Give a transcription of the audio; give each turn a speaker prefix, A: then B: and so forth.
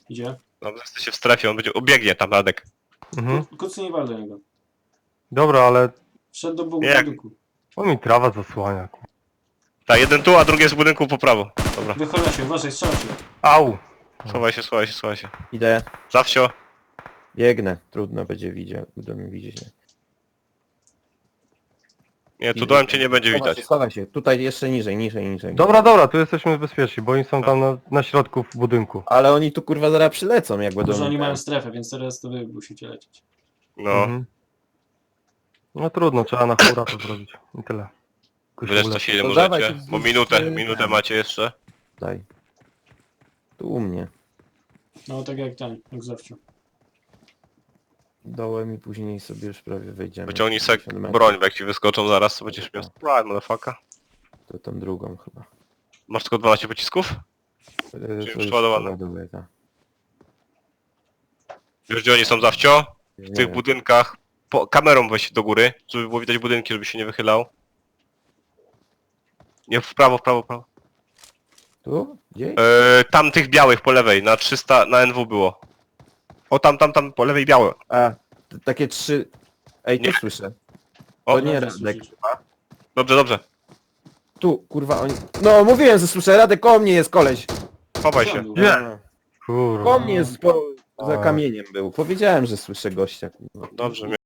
A: Idzie.
B: Dobrze, jesteście w strefie, on będzie obiegnie tam, Radek.
C: Mhm.
A: Kucy nie wal do niego.
C: Dobra, ale...
A: Wszedł do
B: Jak?
A: budynku.
C: O mi trawa zasłania.
B: Tak, jeden tu, a drugi jest w budynku po prawo. Dobra.
A: Wychyla się, uważaj, strzela się.
C: Au!
B: Schowaj się, schowaj się, schowaj się.
D: Idę.
B: Zawsio.
D: Biegnę. Trudno będzie widzieć. Będą mnie widzieć.
B: Nie, tu dołem cię nie będzie widać.
D: Schowaj się. Tutaj jeszcze niżej, niżej, niżej.
C: Dobra, tu jesteśmy bezpieczni, bo oni są tam na środku w budynku.
D: Ale oni tu kurwa zaraz przylecą, jak będą...
A: Może oni mają strefę, więc teraz to wy musicie lecieć.
B: No.
C: Mhm. No trudno, trzeba na hura to zrobić. I tyle.
B: Wyleć co się
D: To dawaj
B: możecie,
D: się
B: bo minutę macie jeszcze.
D: Daj. Tu u mnie.
A: No tak jak ten, jak zawsze.
D: Dołem i później sobie już prawie wejdziemy.
B: Wyciągnij sek
D: 50 metrów.
B: broń, bo jak ci wyskoczą zaraz, to będziesz miał sprite, motherfucker.
D: To tą drugą chyba.
B: Masz tylko 12 pocisków?
D: To
B: już
D: już
B: przeładowane.
D: przeładuję, tak.
B: Wiesz gdzie oni są, Zawcio? W
D: Nie
B: tych
D: wiem.
B: budynkach. Kamerą weź do góry, żeby było widać budynki, żeby się nie wychylał. Nie, w prawo, w prawo, w prawo.
D: Tu? Gdzie?
B: Tam tych białych po lewej, na 300, na NW było. O tam, po lewej białe.
D: A, takie 3... Ej, tu
B: Nie.
D: słyszę.
B: O,
D: To nie
A: Dobrze
D: Radek.
A: słyszysz.
B: dobrze, dobrze.
D: Tu, kurwa, oni... No, mówiłem, że słyszę. Radek, koło mnie jest koleś.
B: Chowaj się.
C: Nie.
D: A,
C: Kurwa.
D: Koło mnie jest, za
C: A.
D: kamieniem był. Powiedziałem, że słyszę gościa. Kurwa.
B: Dobrze,